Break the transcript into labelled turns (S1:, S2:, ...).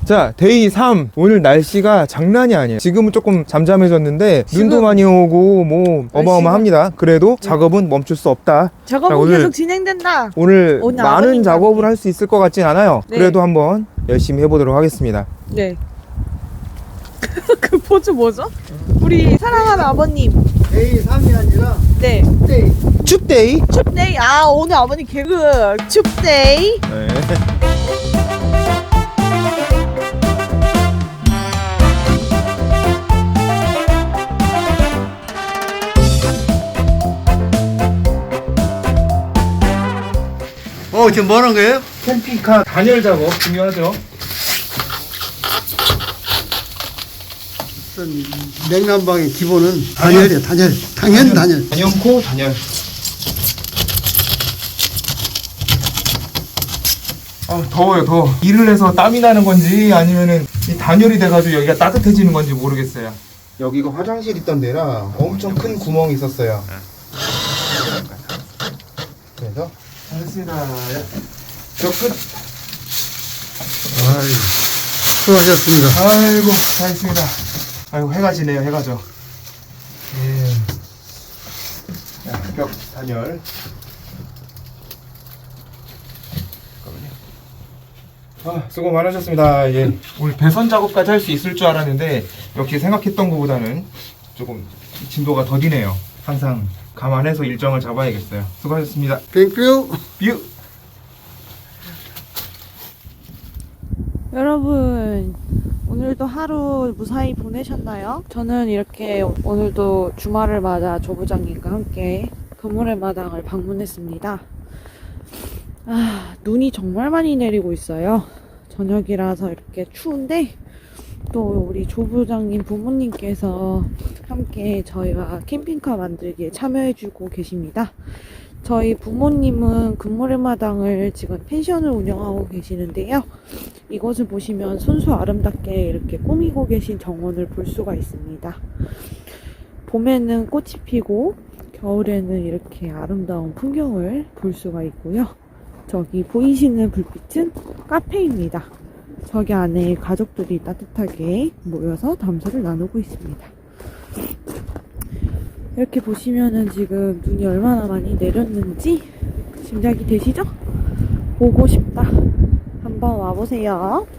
S1: 자, 데이 3. 오늘 날씨가 장난이 아니에요. 지금은 조금 잠잠해졌는데 눈도 많이 오고 뭐 어마어마합니다. 그래도 작업은 멈출 수 없다.
S2: 작업은
S1: 자, 오늘
S2: 계속 진행된다.
S1: 오늘
S2: 오늘
S1: 많은
S2: 아버님과
S1: 작업을
S2: 함께.
S1: 할 수 있을 것 같진 않아요.
S2: 네.
S1: 그래도 한번 열심히 해보도록 하겠습니다.
S2: 네. 그 포즈 뭐죠? 우리 사랑하는 아버님.
S3: 데이 3이 아니라
S2: 네.
S3: 데이.
S1: 춥데이.
S2: 춥데이. 아, 오늘 아버님 개그. 춥데이.
S1: 네.
S3: 지금 뭐 하는 거예요?
S1: 캠핑카 단열 작업 중요하죠.
S3: 냉난방의 기본은 단열이야, 단열. 당연 단열.
S1: 단연코 단열. 더워요, 더워. 일을 해서 땀이 나는 건지 아니면은 이 단열이 돼가지고 여기가 따뜻해지는 건지 모르겠어요. 여기가 화장실 있던 데라 엄청 큰 구멍이 있었어요. 그래서 잘했습니다. 저 끝.
S3: 아이, 수고하셨습니다.
S1: 아이고, 잘했습니다. 아이고, 해가 지네요, 해가 져. 예. 자, 벽 단열. 수고 많으셨습니다. 예. 오늘 배선 작업까지 할 수 있을 줄 알았는데 역시 생각했던 것보다는 조금 진도가 더디네요. 항상 감안해서 일정을 잡아야겠어요. 수고하셨습니다.
S3: 땡큐.
S1: 뷰.
S2: 여러분, 오늘도 하루 무사히 보내셨나요? 저는 이렇게 오늘도 주말을 맞아 조부장님과 함께 건물의 마당을 방문했습니다. 눈이 정말 많이 내리고 있어요. 저녁이라서 이렇게 추운데 또 우리 조부장님 부모님께서 함께 저희와 캠핑카 만들기에 참여해주고 계십니다. 저희 부모님은 금모래 마당을 지금 펜션을 운영하고 계시는데요. 이곳을 보시면 순수 아름답게 이렇게 꾸미고 계신 정원을 볼 수가 있습니다. 봄에는 꽃이 피고 겨울에는 이렇게 아름다운 풍경을 볼 수가 있고요. 저기 보이시는 불빛은 카페입니다. 저기 안에 가족들이 따뜻하게 모여서 담소를 나누고 있습니다. 이렇게 보시면은 지금 눈이 얼마나 많이 내렸는지 짐작이 되시죠? 보고 싶다. 한번 와보세요.